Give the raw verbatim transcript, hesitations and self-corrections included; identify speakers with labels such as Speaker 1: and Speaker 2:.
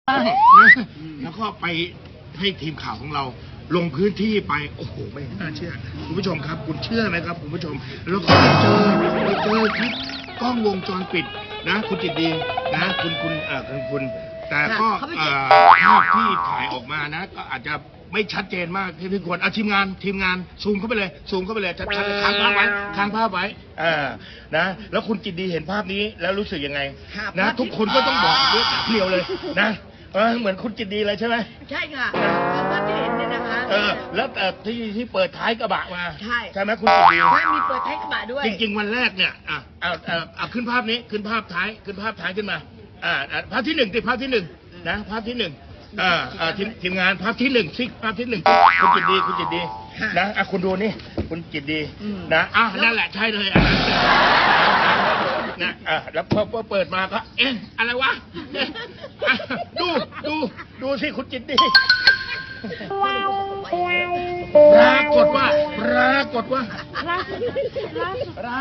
Speaker 1: แล้วก็ไปให้ทีมข่าวของเราลงพื้นที่ไปโอ้โหไม่น่าเชื่อคุณผู้ชมครับคุณเชื่อไหมครับคุณผู้ชมแล้วก็ไปเจอไปเจอคลิปกล้องวงจรปิดนะคุณจิตดีนะคุณคุณเอ่อคุณคุณแต่ก็เอ่อภาพที่ถ่ายออกมานะก็อาจจะไม่ชัดเจนมากที่ที่ควรเอาทีมงานทีมงานซูมเข้าไปเลยซูมเข้าไปเลยชัดๆเลยค้างภาพไว้ค้างภาพไว้อ่านะแล้วคุณจิตดีเห็นภาพนี้แล้วรู้สึกยังไงนะทุกคนก็ต้องบอกด้วยปากเดียวเลยนะเออเหมือนคุณจิตดีเลยใช่ไหม
Speaker 2: ใช่ค่ะคือภาพที่เห็นเนี่ยนะคะ
Speaker 1: เออแล้วแต่ที่ที่เปิดท้ายกระบะมา
Speaker 2: ใช่
Speaker 1: ใช่ไหมคุณจิตดี
Speaker 2: ใช่มีเปิดท้ายกระบะด้วย
Speaker 1: จริง ๆ วันแรกเนี่ยอ่ะเอาเอาเอาขึ้นภาพนี้ขึ้นภาพท้ายขึ้นภาพท้ายขึ้นมาอ่าอ่าภาพที่หนึ่งติภาพที่หนึ่งนะภาพที่หนึ่งอ่าอ่าทีมทีมงานภาพที่หนึ่งซิภาพที่หนึ่งคุณจิตดีคุณจิตดีนะอ่ะคุณดูนี่คุณจิตดีนะอ่ะนั่นแหละใช่เลยอ่ะนะอ่ะแล้วพอพอเปิดมาก็เอ๊ะอะไรวะเอ๊ะอ่ะดูดูดูสิคุณจิตดีปรากฏว่าปรากฏว่า